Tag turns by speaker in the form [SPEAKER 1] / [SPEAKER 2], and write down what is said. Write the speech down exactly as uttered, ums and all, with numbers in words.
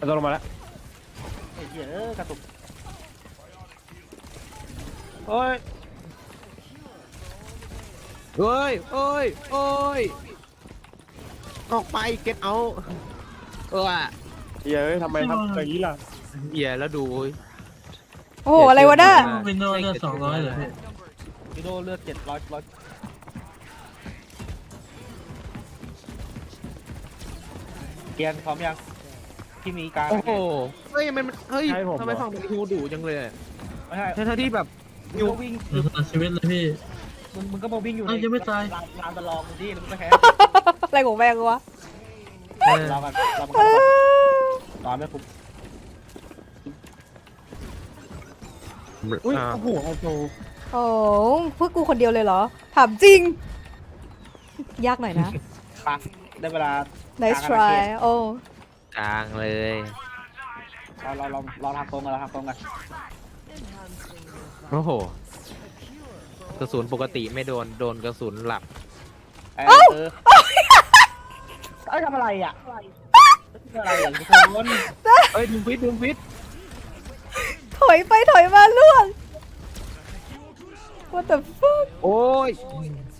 [SPEAKER 1] มันลงมาแล้ว
[SPEAKER 2] ไอ้เหี้ยเออกระตุก
[SPEAKER 1] โอ้ย
[SPEAKER 3] เฮ้ยเอ้ยเอ้ยออกไปเก็ตเอาเออ
[SPEAKER 1] เหี้ยเอ้ยทำไมทำอย่างนี้ล่ะ
[SPEAKER 3] เหี้ยแล้วดู
[SPEAKER 4] โอ้โหอะไรวะน่ะ
[SPEAKER 5] วินโดว์เลือดสองร้อยเหรอพี่
[SPEAKER 2] วิโดเลือดเจ็ดร้อยร้อยเกียร์พร้อมยังที่มีการ
[SPEAKER 3] โอ้โหเฮ้ยมันเฮ้ยทำไมฝั่งมันฮิวดุจังเลย
[SPEAKER 2] ไม่ใช่
[SPEAKER 3] ทั้งที่แบบ
[SPEAKER 2] มึงก็วิ่ง
[SPEAKER 5] เออตลอดชีวิตเลยพี่
[SPEAKER 2] มึงมึงก็มาวิ่งอยู่
[SPEAKER 5] เอ้ายังไม่ตาย
[SPEAKER 2] ลานลานตะลองมึงที่แล้วมึงก็แพ้
[SPEAKER 4] อะไรของแม่งวะ
[SPEAKER 3] เออ
[SPEAKER 2] รอกันรอ
[SPEAKER 4] เอ
[SPEAKER 2] กัน
[SPEAKER 4] อ
[SPEAKER 2] รอไม่คุ้ม
[SPEAKER 1] อุ้ย
[SPEAKER 3] อ่า
[SPEAKER 1] โอ้โหเอาโต
[SPEAKER 4] โอ้เพื่อกูคนเดียวเลยเหรอถามจริง ยากหน่อยนะ
[SPEAKER 2] ปะได้เวลา
[SPEAKER 4] nice try โอ้
[SPEAKER 3] กลางเลย
[SPEAKER 2] เราเราเราเราทำตรงกันเราทำตรงกัน
[SPEAKER 3] โอ้โหกระสุนปกติไม่โดนโดนกระสุนหลับ
[SPEAKER 2] เออเออเอ้ยทำอะไรอ่ะอะไรอย่างทุกคน
[SPEAKER 3] เอ้ยดึงฟิตดึงฟิต
[SPEAKER 4] ถอยไปถอยมาล่วง what the fuck
[SPEAKER 3] โอ้ย